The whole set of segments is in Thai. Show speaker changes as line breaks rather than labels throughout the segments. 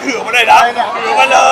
ถือมาเลยนะถือมาเลย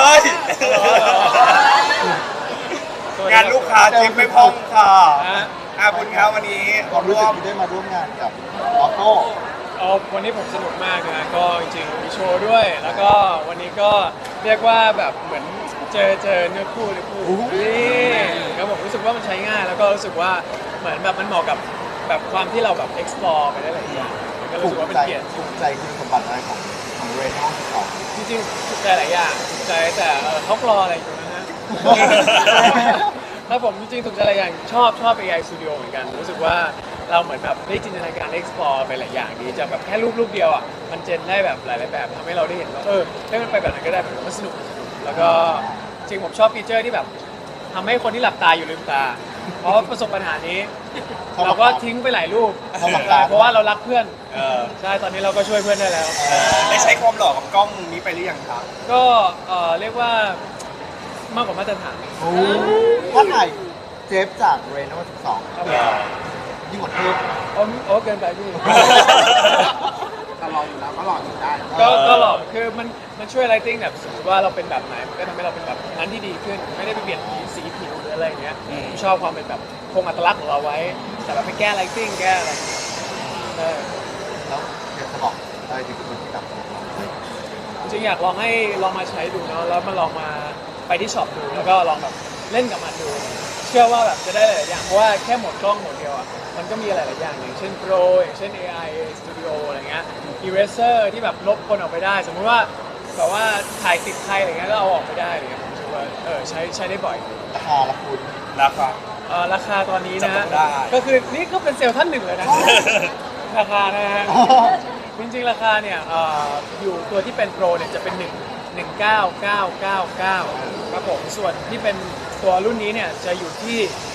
งานลูกค้าเจ็บไม่พองค่ะคุณครับวันนี้
ความรู้สึกที่ได้มาร่วมงานกับออโต้
วันนี้ผมสนุกมากนะก็จริงๆมีโชว์ด้วยแล้วก็วันนี้ก็เรียกว่าแบบเหมือนเจอเนื้อคู่นี่ครับผมรู้สึกว่ามันใช้ง่ายแล้วก็รู้สึกว่าเหมือนแบบมันเหมาะกับแบบความที่เราแบบ explore ไปได้หลายอย่างก็รู้สึกว่าเป็นเกียรติ
ถูกใจคุณสมบัติอะไรของเรโน่ของ
จริงๆถูกใจหลายอย่างถูกใจแต่เขารออะไรอยู่นะฮะ ครับผมจริงๆถูกใจหลายอย่างชอบ AI Studio เหมือนกันรู้สึกว่าเราเหมือนแบบได้จินตนาการ explore ไปหลายอย่างดีจะแบบแค่รูปเดียวอ่ะมันเจนได้แบบหลายๆแบบทำให้เราได้เห็นว่าให้มันไปแบบไหนก็ได้มันสนุกแล้วก็จริงผมชอบฟีเจอร์ที่แบบทำให้คนที่หลับตาอยู่ลืมตา เพราะประสบปัญหานี้ เราก็ทิ้งไปหลายรูปเพราะว่าเรารักเพื่อนใช่ตอนนี้เราก็ช่วยเพื่อนได้แล้ว
ได้ใช้ความหล่อกับกล้องนี้ไปหรือยังครับ
ก็เรียกว่ามากกว่ามาตรฐาน
ว่าถ่ายเจฟจากเรโน่
ครับ
12ยิ่งกว่าเทพ
โอ้เกินไปพี่
ตลอดอยู่แล้วก็หล่ออยู่ได้
ก็หลอกคือมันช่วยไลติ้งแบบสมมติว่าเราเป็นแบบไหนมันก็ทำให้เราเป็นแบบนั้นที่ดีขึ้นไม่ได้ไปเปลี่ยนสีผิวหรืออะไรอย่างเงี้ยผมชอบความเป็นแบบคงอัตลักษณ์ของเราไว้ แต่แบบไปแก้ไลติ้งแก้อะไรใช่
แล้วเดี๋ยวจะบอกอะไรถึงคนที่แบบ
จริงๆอยากลองให้ลองมาใช้ดูเนาะแล้วมาลองมาไปที่ช็อปดูแล้วก็ลองแบบเล่นกับมันดู เชื่อว่าแบบจะได้หลายๆอย่างเพราะว่าแค่โหมดกล้องโหมดเดียวอ่ะมันก็มีหลายๆอย่างอย่างเช่น Pro อย่างเช่น AI Studio อะไรเงี้ย Eraser ที่แบบลบคนออกไปได้ สมมุติว่าแบบว่าถ่ายติดใครอะไรเงี้ยก็เอาออกไปได้อะไรเงี้ยผมรู้สึกว่าใช้ได้บ่อย
ราคาละคุณ
นะครับ
ราคาตอนนี้
จั
นะ
บต้องได้
ก็คือนี่ก็เป็นเซลล์ท่านหนึ่งเลยนะ ราคานะฮะ จริงๆราคาเนี่ยอยู่ตัวที่เป็นโปรเนี่ยจะเป็น199,999ครับผมส่วนที่เป็นตัวรุ่นนี้เนี่ยจะอยู่ที่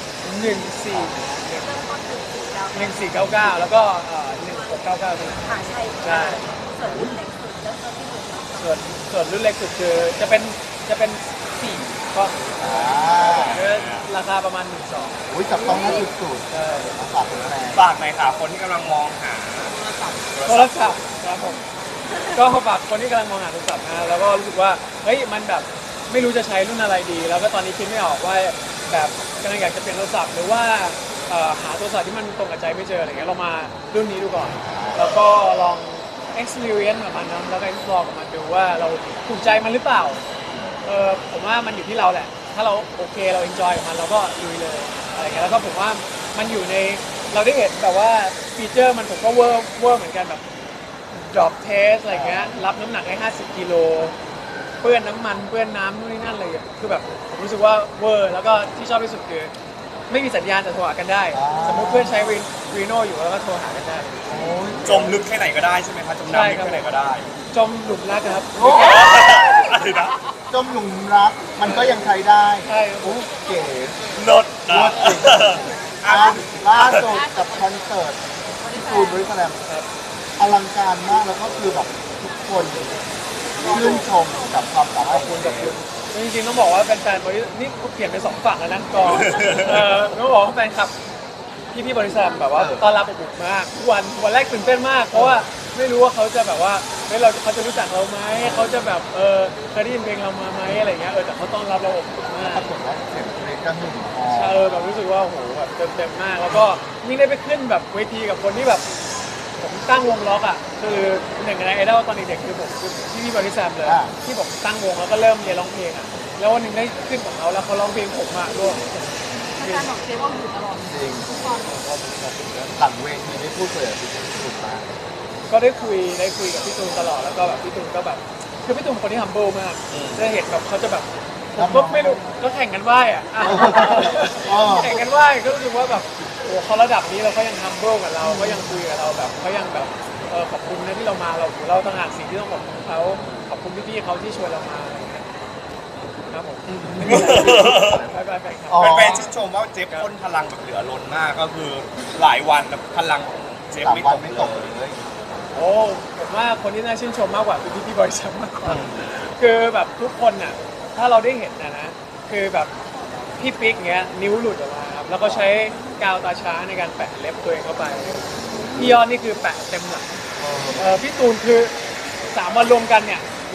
1499แล้วก็1699ใช่ส่วนรุ่นเล็กสุดคือจะเป็น4ก็ราคาประมาณ12,000
อุ้ยจับต้องได้สุด
ใช่
ๆมาฝากคุณแม่
ฝากหน่อยค่ะคนที่กำลังมองหา
โทรศัพท์ครับผมก็ฝากคนที่กำลังมองหาโทรศัพท์นะแล้วก็รู้สึกว่าเฮ้ยมันแบบไม่รู้จะใช้รุ่นอะไรดี แล้วก็ตอนนี้คิดไม่ออกว่าแบบกำลังอยากจะเปลี่ยนโทรศัพท์หรือว่าหาโทรศัพท์ที่มันตรงกับใจไม่เจออะไรเงี้ยเรามารุ่นนี้ดูก่อน แล้วก็ลอง experience กับมันนะแล้วก็ explore กับมันดูว่าเราถูกใจมันหรือเปล่าผมว่ามันอยู่ที่เราแหละ ถ้าเราโอเคเรา enjoy กับมันเราก็ลุยเลยอะไรเงี้ยแล้วก็ผมว่ามันอยู่ในเราได้เห็นแบบว่าฟีเจอร์มันผมก็เวอร์เหมือนกันแบบ drop test อะไรเงี้ยรับน้ำหนักได้50 กิโลเปื้อนน้ำมันเปื้อนน้ำนู่นนี่นั่นเลยคือแบบผมรู้สึกว่าเวอร์แล้วก็ที่ชอบที่สุดคือไม่มีสัญญาณแต่โทรหากันได้ สมมติเพื่อนใช้รีโน่อยู่แล้วก็โทรหากันได้
จมลึกแค่ไหนก็ได้ใช่ไหมคะจมน้ำลึกแค่ไหนก็ได้
จมหลุมรักครับ
อะไรนะ
จมหลุมรักมันก็ยังใช้ได้
ใช่ครับ
โอ้เก๋
นดนะ
ล่าสุดกับคอนเสิร์ตที่ตูนบริสแลมอลังการมากแล้วก็คือแบบทุกคนชื่นชมกับความสามารถของคุณ
จริงๆต้องบอกว่าแฟนๆบริษัทนี่เปลี่ยนเป็น2ฝั่งแล้วนะก็ต้องบอกว่าแฟนคลับพี่บริษัทแบบว่าต้อนรับอบอุ่นมากทุกวันแรกตื่นเต้นมาก เพราะว่าไม่รู้ว่าเขาจะแบบว่าเขาจะรู้จักเราไหมเขาจะแบบเคยได้ยินเพลงเรามาไหมอะไรเงี้ยแต่เขาต้อนรับเราอบอุ่นมาก
ปรากฏว่าเสียงเพลงก็หึ่มพอ
แบบรู้สึกว่าโหแบบเต็มมากแล้วก็ยิ่งได้ไปขึ้นแบบเวทีกับคนที่แบบผมตั้งวงล็อกอ่ะคือหนึ่งในไอดอลตอนเด็กๆคือผมคือพี่บริษัทเลยที่ผมตั้งวงแล้วก็เริ่มเรียนร้องเพลงอ่ะแล้ววันหนึ่งได้ขึ้นกับเขาแล้วเขาร้องเพลงผมมาด้วย
การบอกเจ๊ว่าอยู่ตลอด
จริงหลังเวทีได้พูดคุยกับพี่ตูนมาก
ก็ได้คุยกับพี่ตูนตลอดแล้วก็แบบพี่ตูนก็แบบคือพี่ตูนเป็นคนที่ humble มากได้เห็นแบบเขาจะแบบผมก็ไม่รู้ก็แข่งกันไหว้อ่ะแข่งกันไหว้ก็รู้สึกว่าแบบโอ้เขาระดับนี้เราก็ยัง humble กับเราก็ยังคุยกับเราแบบเขายังแบบขอบคุณนะที่เรามาเราต่างหากสิ่งที่ต้องขอบคุณเขาขอบคุณพี่ๆเขาที่ชวนเรามาอะไรเงี้ยครับผมไปครับ
แฟนๆชื่นชมว่าเจฟพ่นพลังแบบเหลือล้นมากก็คือหลายวันแบบพลังของเจฟ
สาม
ไม่
วั
ต
น
ก
ไม่
เล
ตก
ย
เลย
โอ้ผมว่าคนที่น่าชื่นชมมากกว่าคือพี่บริษัทมากกว่าคือแบบทุกคนน่ะถ้าเราได้เห็นนะคือแบบพี่ปิ๊กเงี้ยนิ้วหลุดออกมาครับแล้วก็ใช้กาวตาช้างในการแปะเล็บตัวเองเข้าไปพี่ยอดนี่คือแปะเต็มหลังพี่ตูนคือ3 วันรวมกันเนี่ย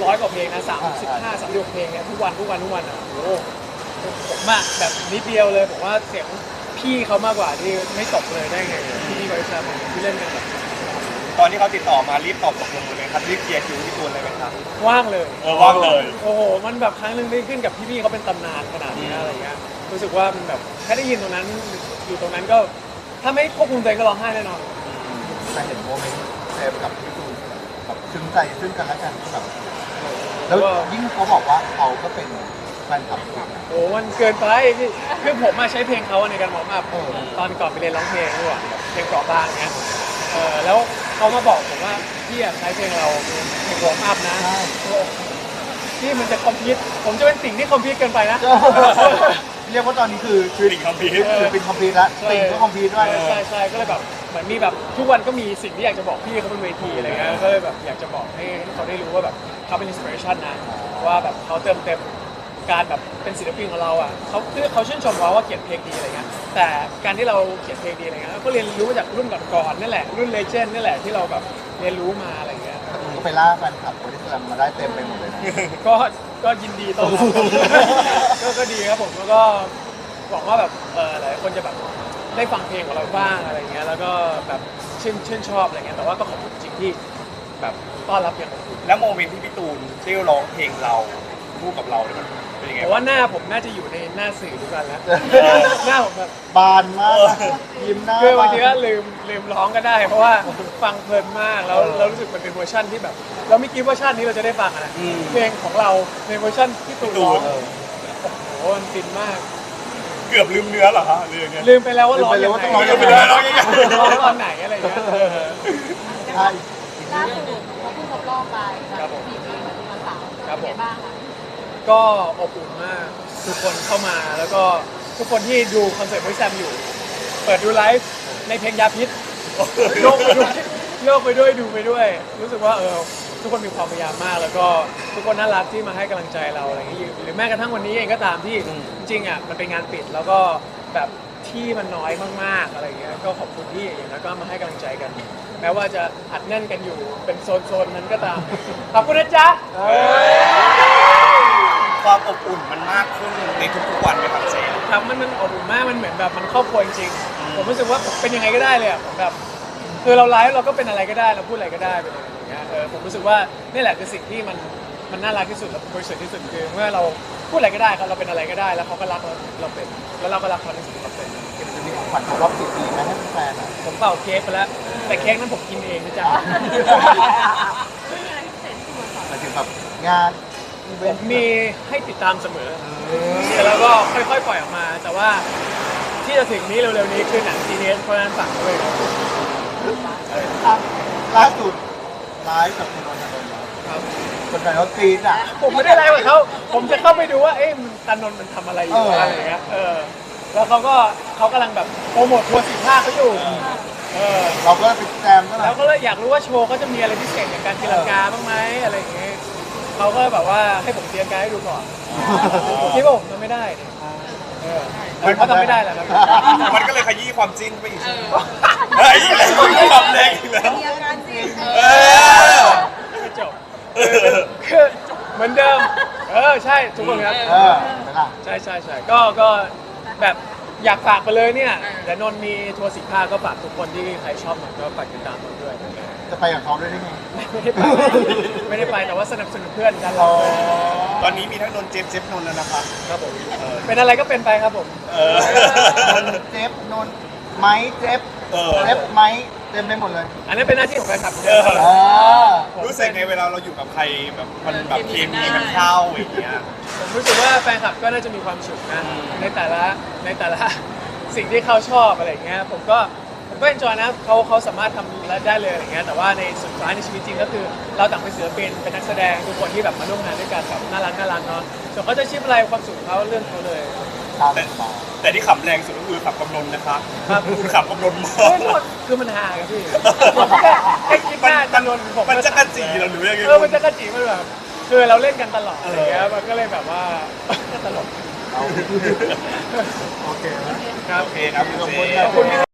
100 กว่าเพลงนะ35 36เพลงเนี่ยทุกวันอ่ะโอ้โหผมอะแบบนิดเดียวเลยผมว่าเสียงพี่เขามากกว่าที่ไม่ตกเลยได้ไงพี่บริษัทที่เล่นกันแบบ
ตอนที่เขาติดต่อมารีบตอบตกลงเลยครับรีบเคลียร์คิวพี่ตูนเลยไหมครับ
ว่างเลย
ว่างเลย
โอ้โหมันแบบครั้งหนึ่งได้ขึ้นกับพี่ๆเขาเป็นตำนานขนาดนี้อะไรเงี้ยรู้สึกว่ามันแบบแค่ได้ยินตรงนั้นอยู่ตรงนั้นก็ถ้าไม่ควบคุมตัวเองก็ร้องไห้แน่นอน
แต่เห็นโมเมนต์เซฟกับพี่ตูนแบบซึ้งใจซึ่งกันและกันแบบแล้วยิ่งเขาบอกว่าเขาก็เป็นแฟนคลับคุณนะ
โอ้มันเกินไปพี่คือผมมาใช้เพลงเขาในการวอร์มอัพ
เออ
ตอนก่อนไปเรียนร้องเพลงด้วยเพลงเกราะบ้างเงี้ยแล้วเขามาบอกผมว่าพี่อยากใช้เพลงเราเพลงวอร์มอัพนะ
ใช่
พี่มันจะคอมพิวต์ผมจะเป็นสิ่งที่คอมพิวต์เกินไปนะ
เรียกว่าตอนนี้คือ
ติ่งคอมพิว
คือเป็นคอมพิวต์แล้วติ่งก็คอมพิวต์ด้วย
ใช่ก็เลยแบบเหมือนมีแบบทุกวันก็มีสิ่งที่อยากจะบอกพี่เขาบนเวทีอะไรเงี้ยก็เลยแบบอยากจะบอกให้เขาได้รู้ว่าแบบเขาเป็นอินสปิเรชันนะว่าแบบเขาเติมเต็มการแบบเป็นศิลปินของเราอ่ะเขาชื่นชมว่าเขียนเพลงดีอะไรเงี้ยแต่การที่เราเขียนเพลงดีอะไรเงี้ยก็เรียนรู้มาจากรุ่นก่อนๆนั่นแหละรุ่นเลเจนด์นั่นแหละที่เราแบบเรียนรู้มาอะไรเงี้ย
ก็ไปล่าแฟนคลับบริษัทมาได้เต็มไปหมดเลยนะ
ก็ยินดีต้อนรับก็ดีครับผมแล้วก็หวังว่าแบบหลายคนจะแบบได้ฟังเพลงของเราบ้างอะไรเงี้ยแล้วก็แบบชื่นชอบอะไรเงี้ยแต่ว่าก็ขอบคุณจริงที่แบบต้อนรับอย่างอบอุ่น
แล้วโมเมนต์ที่พี่ตูนได้ร้องเพลงเราคู่กับเราเนี่ยมันเป็นยังไง
แต่ว่าหน้าผมน่าจะอยู่ในหน้าสื่อทุกวันแล้ว หน้าผมแบบ
บานมากยิ้มหน้า
คือบางทีก็ลืมร้องก็ได้ เพราะว่าฟังเพลินมากแล้วเรารู้สึกมันเป็นเวอร์ชันที่แบบ เราไม่คิดว่าชาตินี้เราจะได้ฟังอะนะเพลงของเราในเวอร์ชันที่ตูนร้องโอ้โหมันฟินมาก
เกือบลืมเนื้อเหรอฮะหรือยังไง
ลืมไปแล้วว่าร้องยังไง
ลืมไปแล้วว่าร้องยังไง
ร้องตอนไหนอะไรอย่างเงี้ย
ใช่
ล่าสุดเขาเพิ่งครบรอบไป
ครับผม
4 ปีมาทุกวันเสาร์
ครับผม
เป็นไงบ้างคะ
ก็อบอุ่นมากทุกคนเข้ามาแล้วก็ทุกคนที่ดูคอนเสิร์ตพี่แซมอยู่ เปิดดูไลฟ์ในเพลงยาพิษโยกไปด้วยดูไปด้วย รู้สึกว่าทุกคนมีความพยายามมาก แล้วก็ทุกคนน่ารักที่มาให้กำลังใจเราอะไรอย่างนี้หรือแม้กระทั่งวันนี้เองก็ตามที่จริงๆอ่ะมันเป็นงานปิดแล้วก็แบบที่มันน้อยมากๆอะไรอย่างเงี้ยก็ขอบคุณที่อย่างนั้นก็มาให้กำลังใจกัน แม้ว่าจะอัดแน่นกันอยู่เป็นโซนๆนั้นก็ตามขอบคุณนะจ๊ะ
ความอบอุ่นมันมากขึ้นในทุกๆวันไหมครับเซน
ครับมันอบอุ่นมากมันเหมือนแบบมันครอบครัวจริงๆผมรู้สึกว่าผมเป็นยังไงก็ได้เลยอ่ะผมแบบคือเราไลฟ์เราก็เป็นอะไรก็ได้เราพูดอะไรก็ได้ไปเลยอย่างเงี้ยผมรู้สึกว่านี่แหละคือสิ่งที่มันน่ารักที่สุดและบริสุทธิ์ที่สุดคือเมื่อเราพูดอะไรก็ได้ครับเราเป็นอะไรก็ได้แล้วเขาก็รักเราเป็นแล้วเราก็รักเขาในสิ่งที่เราเป็น
จะมีของขวัญครบรอบ10 ปีไหมให้แฟนๆอ่ะ
ผมเป่าเค้กไปแล้วแต่เค้กนั้นผมกินเองนะจ๊ะ
ไม่มีอะไรพิเศษที่คุณสอน
หมายถึงแบบงานอีเวนต์
มีให้ติดตามเสมอแต่เราก็ค่อยๆปล่อยออกมา แต่ว่าที่จะถึงนี้เร็วๆนี้คือหนังซีเนสเพราะฉะนั้นฝากด้วยครับ
ล่าสุดไลฟ์กับคุณนนท์นนท์เหรอ
ครับ
คนไหนเขากรี๊ดอ่ะ
ผมไม่ได้ไลฟ์กับเขาผมจะเข้าไปดูว่าเอ๊ะมันตานนท์มันทำอะไรอยู่
เอออ
อะไรอย่างเงี้ยแล้วเขากำลังแบบโปรโมททัวร์15เขาอยู่
เราก็ไปแจมก็
แล้วก็เลยอยากรู้ว่าโชว์เขาจะมีอะไรพิเศษอย่างการตีลังกาบ้างไหมอะไรอย่างเงี้ยเขาก็แบบว่าให้ผมตีลังกาให้ดูก่อนผมคิดว่าผมทำไม่ได้เนี่ยเขาทำไม่ได้แหละครับ
มันก็เลยขยี้ความจิ้นไปอีกเฮ้ยอีกแล้วความแรงอีกแล้ว
มีอาการจริง
เออ
ไม่จบคือเหมือนเดิมใช่ทุกคนครับ
เออเห็นไหมล่ะ
ใช่ก็แบบอยากฝากไปเลยเนี่ยเดี๋ยวนนท์มีทัวร์15ก็ฝากทุกคนที่ใครชอบนนท์ก็ฝากติดตามนนท์ด้วย
จะไปกับเขาด้วยได้ไง
ไม่ได้ไปแต่ว่าสนับสนุนเพื่อนกันเรา
ตอนนี้มีทั้งนนท์เจฟนนท์แล้วนะครับ
ครับผมเป็นอะไรก็เป็นไปครับผม
เออ
นนท์เจฟนนท์ไม้เจฟ
เออ
เจฟไม้เต็มไปหมดเลย
อันนี้เป็นหน้าที่ของแฟนคลับ
เออ
อ่า
รู้สึกไงเวลาเราอยู่กับใครแบบมันแบบเคมีมันเข้าอย่างเงี้ย
ผมรู้สึกว่าแฟนคลับก็น่าจะมีความสุขนะในแต่ละสิ่งที่เขาชอบอะไรอย่างเงี้ยผมก็เอนจอยนะเขาสามารถทำได้เลยอะไรเงี้ยแต่ว่าในสุดท้ายในชีวิตจริงก็คือเราต่างเป็นศิลปินเป็นนักแสดงทุกคนที่แบบมาร่วมงานด้วยกันแบบน่ารักเนาะส่วนเขาจะชิปอะไรความสุขของเขาเรื่องเขาเลย
ตาม
แต่
มา
แต่ที่ขำแรงสุดก็คือขับกำนนนะคะ
ครับ
คุณขับกำนนมา
เฮ้ยโทษคือมันหาครับพี่แค่คิดหน้าจำนวนผม
มันจะกระจีเหรอหรือยังไง
มันจะกระจีมันแบบคือเราเล่นกันตลอดอะไรเงี้ยมันก็เลยแบบว่าตลก
เอาโอเคนะ
ครับ
โอเคครับคุณเจ
ขอบคุณ